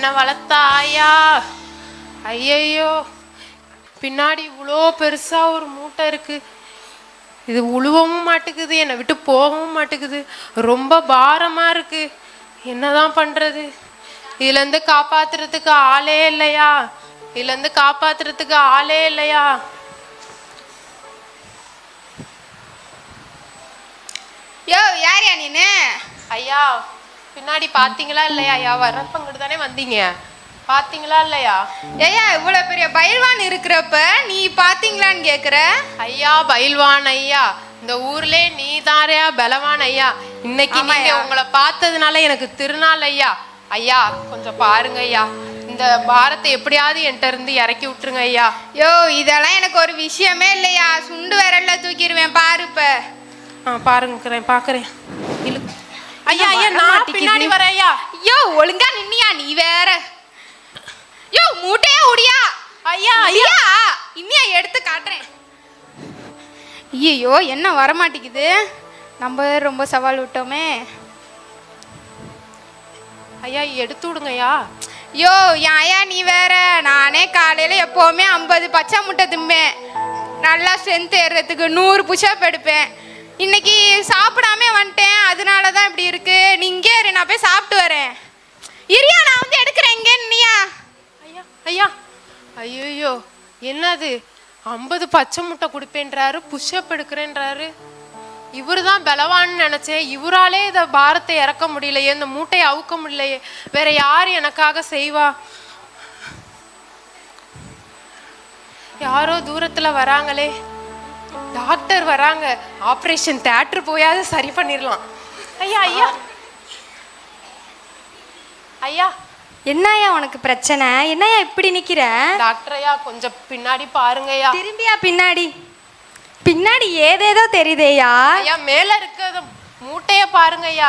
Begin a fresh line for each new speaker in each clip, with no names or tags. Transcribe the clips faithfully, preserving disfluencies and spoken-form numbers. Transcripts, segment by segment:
என்ன வளர்த்த ஆயா. ஐயையோ, பின்னாடி இவ்வளோ பெருசா ஒரு மூட்டை இருக்கு. இது உழுவவும் மாட்டேங்குது, என்னை விட்டு போகவும் மாட்டேங்குது. ரொம்ப பாரமா இருக்கு. என்னதான் பண்றது? இதுல இருந்து காப்பாத்துறதுக்கு ஆளே இல்லையா? இதுல இருந்து காப்பாத்துறதுக்கு ஆளே இல்லையா?
யோ, யார் யா நீனு?
ஐயா, பின்னாடி பாத்தீங்களா இல்லையா? ஐயா வரப்பங்கிட்டு தானே வந்தீங்க, பாத்தீங்களா இல்லையா?
ஐயா, இவ்வளவு பெரிய பயில்வான் இருக்கிறப்ப நீ பாத்தீங்களான்னு கேக்குற?
ஐயா பயில்வான் ஐயா, இந்த ஊர்ல நீ தாரையா பலவான் ஐயா. இன்னைக்கு நீங்க உங்களை பார்த்ததுனால எனக்கு திருநாள் ஐயா. ஐயா கொஞ்சம் பாருங்க ஐயா, இந்த பாரத்தை எப்படியாவது என்கிட்ட இருந்து இறக்கி விட்டுருங்க ஐயா.
யோ, இதெல்லாம் எனக்கு ஒரு விஷயமே இல்லையா. சுண்டு விரல்ல தூக்கிடுவேன் பாரு. இப்ப
ஆ பாருங்க, பாக்குறேன். ஐயா ஐயா, நான் பின்னாடி வரேன் ஐயா.
யோ, ஒழுங்கா நின்னியா நீ வேற? யோ, மூட்டையா உடியா?
ஐயா ஐயா,
இன்னியா எடுத்து காட்டுறேன். ஐயோ, என்ன வரமாட்டேங்குது. நம்ம ரொம்ப சவால் விட்டோமே.
ஐயா எடுத்து விடுங்க ஐயா.
யோ, ஐயா நீ வேற. நானே காலையில எப்பவுமே ஐம்பது பச்சை முட்டை திம்பேன். நல்லா ஸ்ட்ரென்த் ஏறுறதுக்கு நூறு புஷ்அப் எடுப்பேன். இன்னைக்கு சாப்பிடாம வந்துட்டேன், அதனால தான் இப்படி இருக்கு. நீ இங்கே இரு, நான் போய் சாப்பிட்டு வரேன். இரியா, நான் வந்து எடுக்கிறேன். இங்கே நின்னியா?
ஐயா ஐயா, ஐயோ என்னது? ஐம்பது பச்சை முட்டை கொடுப்பேன்றாரு, புஷ்அப் எடுக்கிறேன்றாரு. இவரு தான் பலவான்னு நினைச்சேன். இவராலே இதை பாரத்தை இறக்க முடியலையே, இந்த மூட்டையை அவுக்க முடியலையே. வேற யார் எனக்காக செய்வா? யாரோ தூரத்துல வராங்களே, டாக்டர் வராங்க. ஆபரேஷன் தியேட்டர் போயாவது சரி பண்ணிடலாம். ஐயா ஐயா ஐயா,
என்னையா உனக்கு பிரச்சனை? என்னையா இப்படி நிக்கிற?
டாக்டர் ஐயா கொஞ்சம் பின்னாடி பாருங்கய்யா.
திரும்பியா பின்னாடி? பின்னாடி ஏதேதோ தெரியுதேயா.
ஐயா மேல இருக்கிற மூட்டைய பாருங்கய்யா.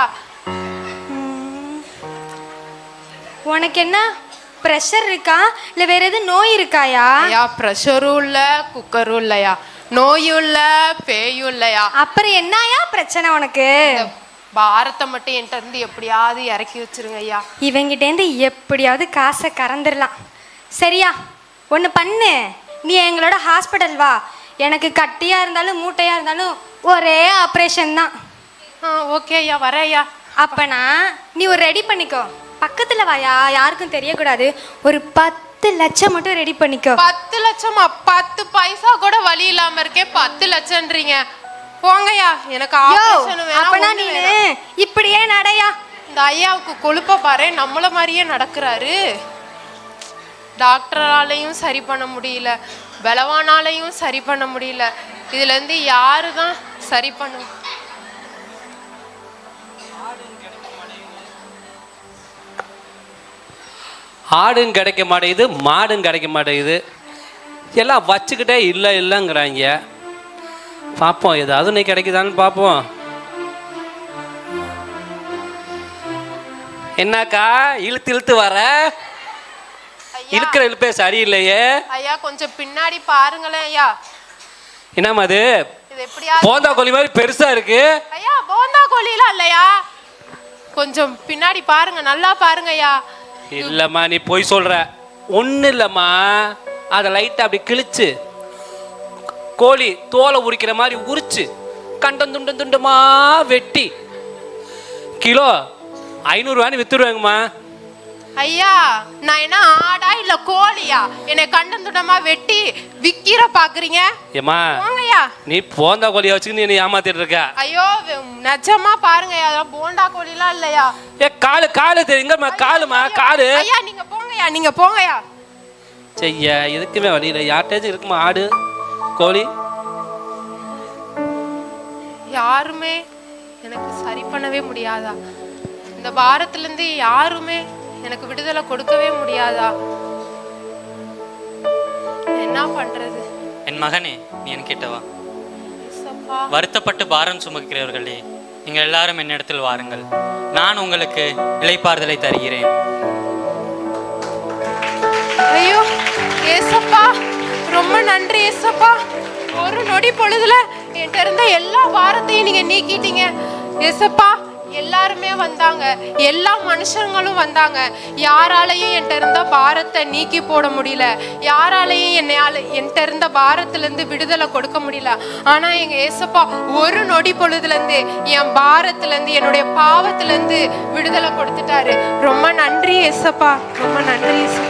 உனக்கு என்ன பிரஷர் இருக்கா இல்ல வேற எதுவும் நோய் இருக்காயா?
ஐயா பிரஷரும் இல்ல, குக்கரும் இல்லையா, நோயும் இல்ல, பேயும் இல்லையா.
அப்புறம் என்னையா பிரச்சனை உனக்கு?
பாரத்தை மட்டும் என்கிட்ட இருந்து எப்படியாவது இறக்கி வச்சிருங்க ஐயா.
இவங்கிட்டேருந்து எப்படியாவது காசை கறந்துடலாம். சரியா, ஒன்று பண்ணு, நீ எங்களோட ஹாஸ்பிட்டல் வா. எனக்கு கட்டியா இருந்தாலும் மூட்டையா இருந்தாலும் ஒரே ஆப்ரேஷன் தான்.
ஆ ஓகே ஐயா, வரேன் ஐயா.
அப்பனா நீ ஒரு ரெடி பண்ணிக்கோ. பக்கத்தில் வாயா, யாருக்கும் தெரியக்கூடாது. ஒரு பத்து லட்சம் மட்டும் ரெடி பண்ணிக்கோ.
பத்து லட்சமா? பத்து பைசா கூட வழி இல்லாம இருக்கே, பத்து லட்சம்ன்றீங்க. போங்கய்யா, எனக்கு ஆபரேஷன் வேணும்.
அப்பனா நீ இப்படியே நடையா.
இந்த ஐயாவுக்கு கொழுப்ப பாரு, நம்மள மாதிரியே நடக்கிறாரு. டாக்டராலையும் சரி பண்ண முடியல, பலவானாலையும் சரி பண்ண முடியல. இதுல இருந்து யாரு தான் சரி பண்ணும்?
ஆடும் கிடைக்க மாட்டேங்குது, மாடும் கிடைக்க மாட்டேங்குது. எல்லாம் வச்சுக்கிட்டே இல்லை இல்லைங்கிறாங்க. பார்ப்போம், ஏதாவது நீ கிடைக்குதான்னு பார்ப்போம். என்னக்கா இழுத்து இழுத்து வர? இருக்கிற இழுப்பே சரியில்லையே.
ஐயா கொஞ்சம் பின்னாடி பாருங்களேன் ஐயா.
என்னம்மா அது?
இது எப்படியா
போந்தா கோழி மாதிரி பெருசா இருக்கு.
ஐயா போந்தா கோழிலாம் இல்லையா, கொஞ்சம் பின்னாடி பாருங்க, நல்லா பாருங்க ஐயா.
இல்லம்மா நீ போய் சொல்ற. ஒன்றும் இல்லைம்மா, அதை லைட்டாக அப்படி கிழிச்சு கோழி தோலை உரிக்கிற மாதிரி உரிச்சு கண்டம் துண்டம் துண்டமா வெட்டி கிலோ ஐநூறுவான்னு வித்துருவாங்கம்மா.
ஐயா நான் என்ன ஆடா இல்ல கோழியா? என்னை கண்டம் துண்டமா வெட்டி விக்கிற பாக்குறீங்க?
ஏமா நீ போந்தா கோழியா வச்சுக்கிட்டு நீ ஏமாத்திட்டு இருக்க.
ஐயோ நிஜமா பாருங்க, அதெல்லாம் போண்டா கோழிலாம் இல்லையா.
ஏ காலு காலு தெரியுங்கம்மா, காலுமா காலு.
ஐயா நீங்க போங்கயா, நீங்க போங்கயா.
செய்ய எதுக்குமே வழியில யார்ட்டாச்சும் இருக்குமா ஆடு கோழி?
யாருமே எனக்கு சரி பண்ணவே முடியாதா? இந்த பாரத்துல இருந்து யாருமே எனக்கு விடுதலை கொடுக்கவே முடியாதா? என்ன பண்றது?
என் மகனே, நீ என் கிட்ட வா. வருத்தப்பட்டு பாரம் சுமக்கிறவர்களே, நீங்கள் எல்லாரும் என்னிடத்தில் வாருங்கள், நான் உங்களுக்கு இளைப்பாறுதலை தருகிறேன்.
ஐயோ ஏசப்பா, ரொம்ப நன்றி ஏசப்பா. ஒரு நொடி பொழுதுல என்கிட்ட இருந்த எல்லா பாரத்தையும் நீங்க நீக்கிட்டீங்க ஏசப்பா. எல்லாருமே வந்தாங்க, எல்லா மனுஷங்களும் வந்தாங்க. யாராலையும் என்கிட்ட இருந்த பாரத்தை நீக்கி போட முடியல, யாராலையும் என்னையால என்கிட்ட இருந்த பாரத்துல இருந்து விடுதலை கொடுக்க முடியல. ஆனா எங்க ஏசப்பா ஒரு நொடி பொழுதுல இருந்து என் பாரத்துல இருந்து என்னுடைய பாவத்துல இருந்து விடுதலை கொடுத்துட்டாரு. ரொம்ப நன்றி ஏசப்பா, ரொம்ப நன்றி ஏசப்பா.